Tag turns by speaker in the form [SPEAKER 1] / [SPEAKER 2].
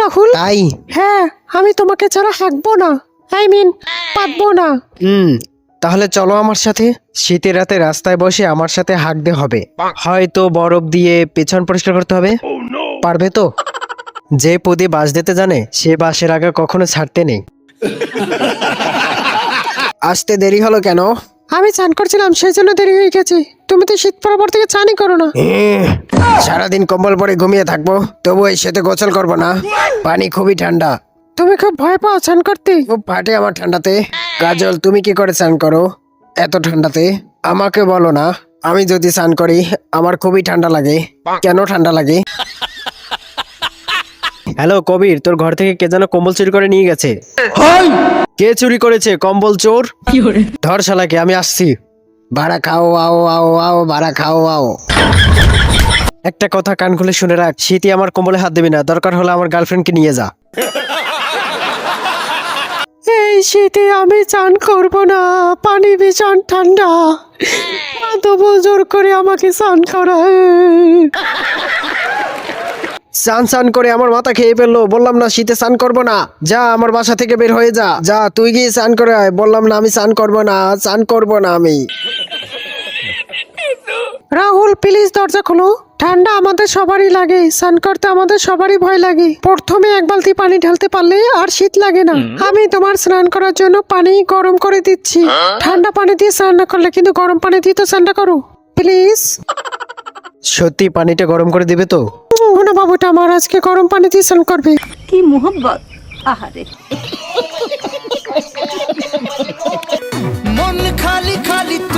[SPEAKER 1] রাহুল।
[SPEAKER 2] তাই?
[SPEAKER 1] হ্যাঁ, আমি তোমাকে ছাড়া হাঁকবো না, পাতবো না।
[SPEAKER 2] তাহলে চলো আমার সাথে। শীতের রাতে রাস্তায় বসে আমার সাথে হাঁকতে হবে, হয়তো বরফ দিয়ে পেছন পরিষ্কার করতে হবে। পারবে তো? যে পদে বাঁশ দিতে জানে সে বাঁশের আগা কখনো ছাড়তে নেই। আসতে দেরি হলো কেন?
[SPEAKER 1] আমি চান করছিলাম, সেই জন্য দেরি হয়ে গেছে। তুমি তো শীত পড়ার পর থেকে চানই করো না।
[SPEAKER 2] সারাদিন কম্বল পরে ঘুমিয়ে থাকবো, তবু এই শীতে গোসল করবো না। পানি খুবই ঠান্ডা।
[SPEAKER 1] তুমি খুব ভয় পাও চান করতে?
[SPEAKER 2] খুব ফাটে আমার ঠান্ডাতে। কাজল, তুমি কি করে স্নান করো এত ঠান্ডাতে? আমাকে বলো না। আমি যদি স্নান করি আমার খুবই ঠান্ডা লাগে। কেন ঠান্ডা লাগে? হ্যালো কবির, তোর ঘর থেকে কে যেন কম্বল চুরি করে নিয়ে গেছে। কে চুরি করেছে কম্বল? চোর। ধর শালাকে, আমি আসছি। ভাড়া খাও, আও আও আও, ভাড়া খাও আও। একটা কথা কান খুলে শুনে রাখ, শীতে আমার কম্বলে হাত দিবি না, দরকার হলে আমার গার্লফ্রেন্ডকে নিয়ে যা।
[SPEAKER 1] এই শীতে আমি চান করব না, পানি ভীষণ ঠান্ডা। তবু জোর করে আমাকে চান করায়।
[SPEAKER 2] স্নান স্নান করে আমার মাথা খেয়ে ফেললো। বললাম না শীতে স্নান করবো না। যা আমার বাসা থেকে বের হয়ে যা। যা তুই গিয়ে স্নান করে আয়। বললাম না আমি স্নান করবো না, স্নান করবো না আমি।
[SPEAKER 1] রাহুল প্লিজ দরজা খোলো। ঠান্ডা আমাদের সবারই লাগে, স্নান করতে আমাদের সবারই ভয় লাগে। প্রথমে এক বালতি পানি ঢালতে পারলে আর শীত লাগে না। আমি তোমার স্নান করার জন্য পানি গরম করে দিচ্ছি। ঠান্ডা পানি দিয়ে স্নান না করলে কিন্তু গরম পানি দিয়ে তো স্নানটা করো প্লিজ।
[SPEAKER 2] সত্যি পানিটা গরম করে দিবে তো?
[SPEAKER 1] না বাবুটা আমার আজকে গরম পানি দিয়ে স্নান করবে।
[SPEAKER 3] কি মোহব্বত! আহারে,
[SPEAKER 4] মন খালি খালি